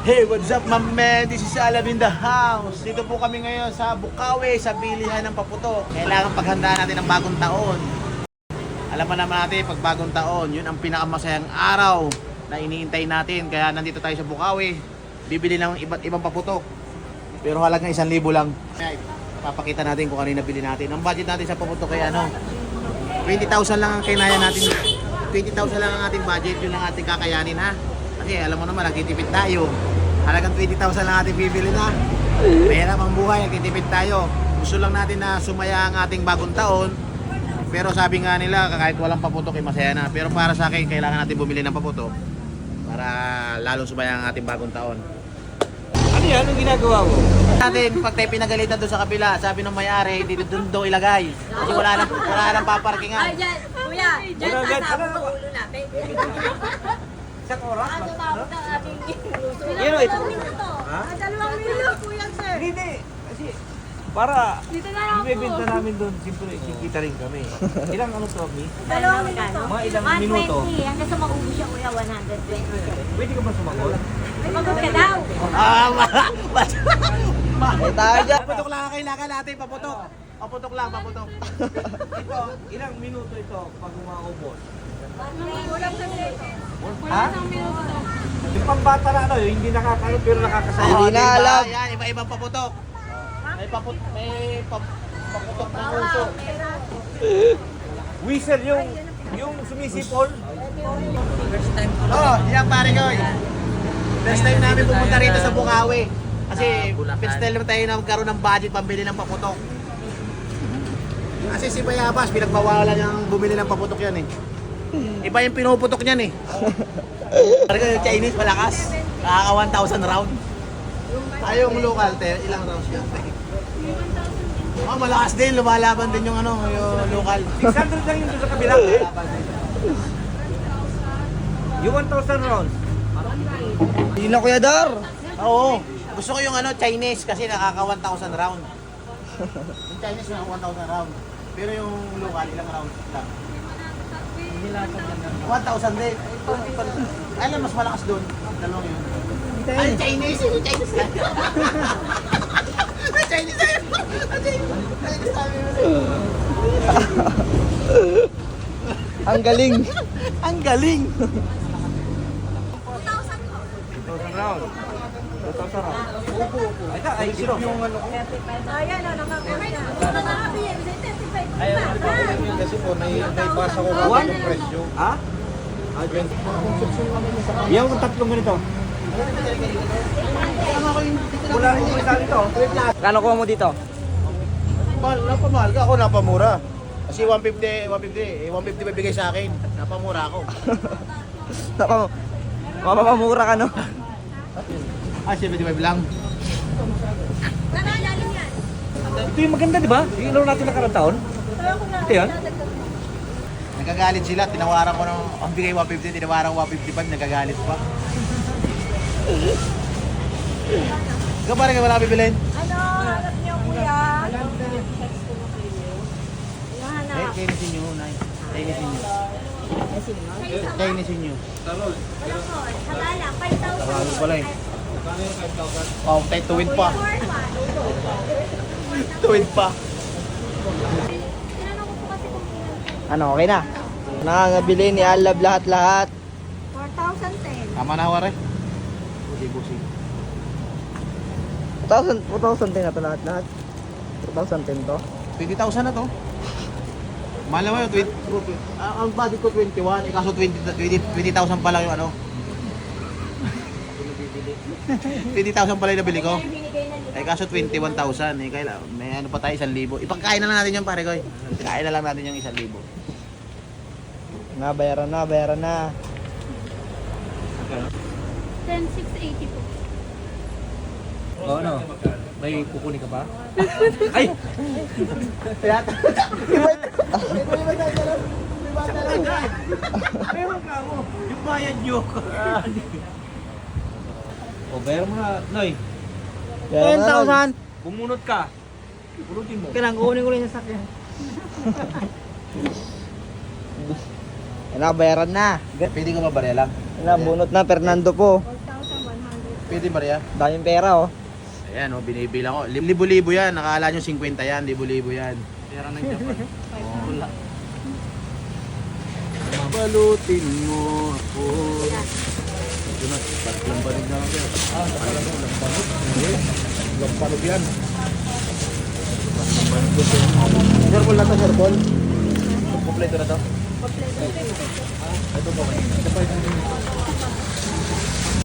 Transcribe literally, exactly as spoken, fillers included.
Hey, what's up, my man? This is Alam in the house. Dito po kami ngayon sa Bukawi, sa bilihan ng paputok. Kailangan paghandaan natin ang bagong taon. Alam pa naman natin, pag bagong taon, yun ang pinakamasayang araw na iniintay natin. Kaya nandito tayo sa Bukawi, bibili ng iba't ibang paputok. Pero halagang isang libo lang. Papakita natin kung ano yung nabili natin. Ang budget natin sa paputok ay ano, twenty thousand lang ang kinaya natin. twenty thousand lang ang ating budget, yun ang ating kakayanin, ha. Kasi alam mo naman, nagtitipid tayo. Halagang twenty thousand lang ating bibili na. Mahirap ang buhay, nagtitipid tayo. Gusto lang natin na sumaya ang ating bagong taon. Pero sabi nga nila, kahit walang paputok, eh, masaya na. Pero para sa akin, kailangan natin bumili ng paputok para lalong sumaya ang ating bagong taon. Ano yan? Anong ginagawa mo? Natin, pag tayo pinagalitan doon sa kabila, sabi ng may-ari, dito doon daw ilagay. Kasi wala nang, wala nang paparkingan. Ay, dyan, kuya, dyan Ano, dyan, sasabog ano? ang ulo natin. Isang oras? Ah, tumawag ng ating gusto. Yan o, ito. Dalawang minuto. Ha? Ah, dalawang minuto, kuya, sir. Hindi, hindi. Kasi para Dito na lang ibebenta po. namin doon, siyempre kikita rin kami. Ilang ano to, Mi? Dalawang minuto. Mga ilang one minuto? twenty. Hanggang sa maubos siya, kuya, one twenty. Pwede ka ba sumagot? Sumagot ka daw. Ah, ma... ma... ma... Eh, tayo dyan. Paputok lang ang kailangan natin, paputok. Paputok lang, paputok. Ito, ilang minuto ito pag umaubos? Kulang sa minuto. Ha? Yung pambata na ano, yung hindi nakakano pero nakakasaya. Hindi na diba? alam. Yan, iba-ibang paputok. May paput may pap paputok ng uso. Whistle yung yung sumisipol. Oh, yan pare ko. First time namin pumunta rito sa Bukawi. Kasi first time naman tayo na magkaroon ng budget pambili ng paputok. Kasi si Bayabas, pinagbawalan niyang bumili ng paputok yan eh. Iba yung pinuputok niyan eh. Pare ko yung Chinese malakas. Nakaka one thousand round. Tayong local, te, ilang rounds yan? Oh, malakas din, lumalaban din yung ano, yung local. six hundred lang yung doon sa kabila. Yung one thousand rounds. Hindi na, Kuya Dar. Oo. Gusto ko yung ano, Chinese kasi nakaka one thousand round. Yung Chinese na one thousand round. Pero yung local, ilang rounds lang? one thousand din. Ay, alam, mas malakas doon. Dalawang yun. Ay, Chinese! Yung Chinese na. Ay, Chinese na yun! Ay, Chinese! Chinese sabi mo na yun. Ang galing. Ang galing! two thousand rounds. two thousand rounds. Upo, upo. Ay, ay, sino? Yung ano ko. Ayan, o, nakakuha niya. Kasi po, may, may pasa ko One? kami yung presyo. Ha? Yung tatlong ganito. Wala rin yung isa dito. Kano kuha mo dito? Mahal, napamahal ka ako, napamura. Kasi one fifty, one fifty, eh, one fifty bibigay sa akin. Napamura ako. Naka, mamamamura ka, no? Ah, seventy-five lang. Nakalalim yan. Ito yung maganda, di ba? Yung laro natin nakarang taon. Ito yan. Nagagalit sila, tinawaran ko ng, ang bigay one fifty, tinawaran ko one fifty-five, nagagalit pa. Ikaw parang kayo wala bibilin? Ano, hanap niyo, kuya? Eh, Hanap. kainisin nyo, Nay. Kainisin nyo. Kainisin nyo. Ano po? Sagala, five thousand. Sarado pala eh. Oh, tayo tuwid pa. Tuwid pa. Tinanong ko po kasi kung ilan. Ano, okay na? Nakangabili ni Alab lahat-lahat. four thousand ten. Tama na wari. Busi-busi. two thousand, two thousand ten na to lahat-lahat. two thousand ten to. twenty thousand na to. Mahal naman yun, twenty, ah, ang budget ko twenty-one, eh kaso twenty thousand pa lang yung ano. twenty thousand pala yung nabili ko. Eh kaso twenty-one thousand, eh kaya may ano pa tayo, isang libo. Ipagkain na lang natin yung pare ko eh. Kain na lang natin yung isang libo. Na, bayaran na, bayaran na. ten six eighty po. O ano? May kukunin ka ba? Ay! Meron ka mo. Yung bayad nyo. O, bayar mo na, Noy. Bayaran na lang. Bumunot ka. Bunutin mo. Kailangan kukunin ko lang yung sakyan. Yan na, bayaran na. Pwede ka mabarya lang. Yan na, bunot na, Fernando po. four thousand one hundred. Pwede Maria? Daming pera oh. Ayan oh, binibilang ko. Libo-libo yan. Nakala nyo fifty yan. Libo-libo yan. Pera ng Japan. Wala. Balutin mo ako. Ito na, tatlong banig na lang yan. Ah, talaga mo, lambanog. Lambanog yan. Sir Paul na to, Sir Paul. Kompleto na to. Kompleto. Ito po. Ito pa yung